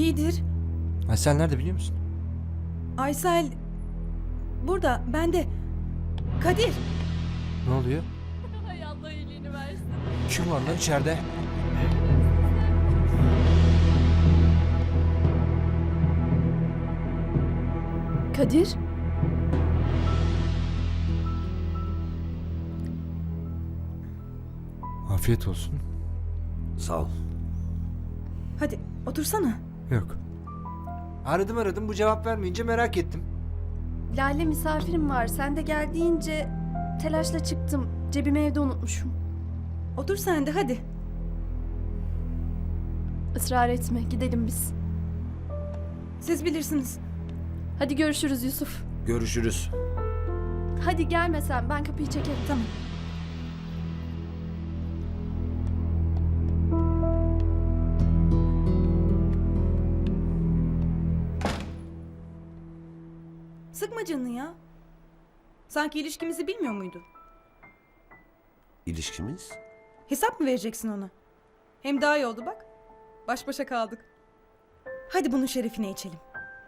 İyidir. Aysel nerede biliyor musun? Aysel burada, bende. Kadir. Ne oluyor? Hay Allah iyiliğini versin. Kim var lan içeride? Kadir? Afiyet olsun. Sağ ol. Hadi otursana. Yok. Aradım bu cevap vermeyince merak ettim. Lale misafirim var. Sen de gel deyince telaşla çıktım. Cebimi evde unutmuşum. Otur sen de hadi. Israr etme. Gidelim biz. Siz bilirsiniz. Hadi görüşürüz Yusuf. Görüşürüz. Hadi gelme sen. Ben kapıyı çekerim. Tamam. Sıkma canını ya. Sanki ilişkimizi bilmiyor muydu? İlişkimiz? Hesap mı vereceksin ona? Hem daha iyi oldu bak. Baş başa kaldık. Hadi bunun şerefine içelim.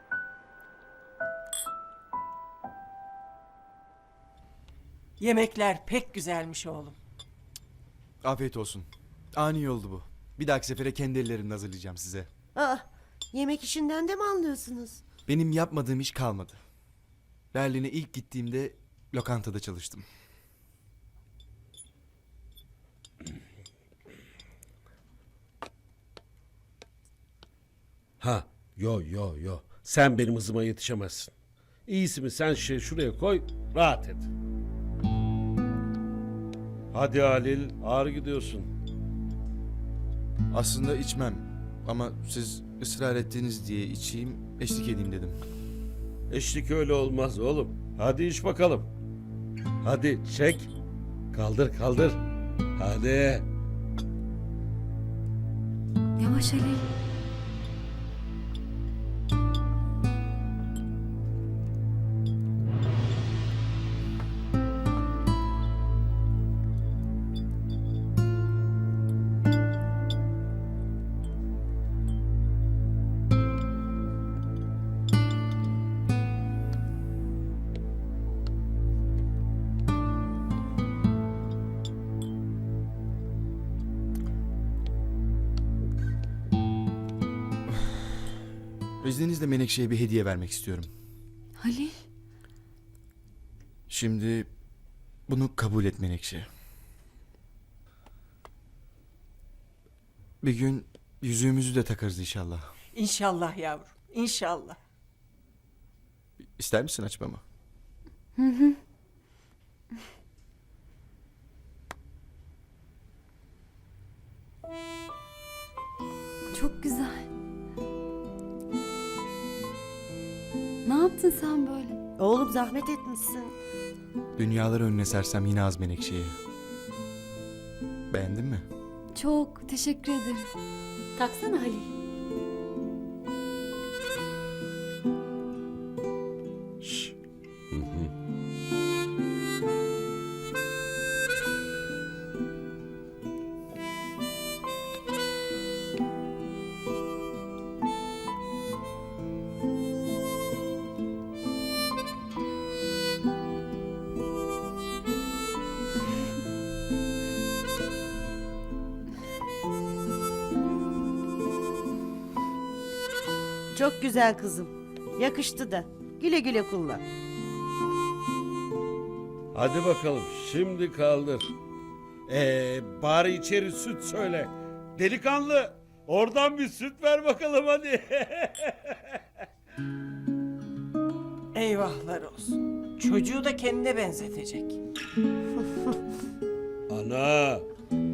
Yemekler pek güzelmiş oğlum. Afiyet olsun. Ani oldu bu. Bir dahaki sefere kendi ellerimle hazırlayacağım size. Aa, yemek işinden de mi anlıyorsunuz? Benim yapmadığım iş kalmadı. Berlin'e ilk gittiğimde lokantada çalıştım. Ha, yo. Sen benim hızıma yetişemezsin. İyisi mi sen şuraya koy, rahat et. Hadi Halil, ağır gidiyorsun. Aslında içmem. Ama siz ısrar ettiğiniz diye içeyim, eşlik edeyim dedim. Eşlik öyle olmaz oğlum. Hadi iç bakalım. Hadi çek. Kaldır. Hadi. Yavaş Ali. İzninizle Menekşe'ye bir hediye vermek istiyorum. Halil. Şimdi bunu kabul et Menekşe. Bir gün yüzüğümüzü de takarız inşallah. İnşallah yavrum, inşallah. İster misin açmamı? Çok güzel. Ne yaptın sen böyle? Oğlum zahmet etmişsin. Dünyaları önüne sersem yine az Menekşe'ye. Beğendin mi? Çok teşekkür ederim. Taksana Halil. Şş. Çok güzel kızım. Yakıştı da. Güle güle kullan. Hadi bakalım, şimdi kaldır. Bari içeri süt söyle. Delikanlı, oradan bir süt ver bakalım hadi. Eyvahlar olsun. Çocuğu da kendine benzetecek. Ana,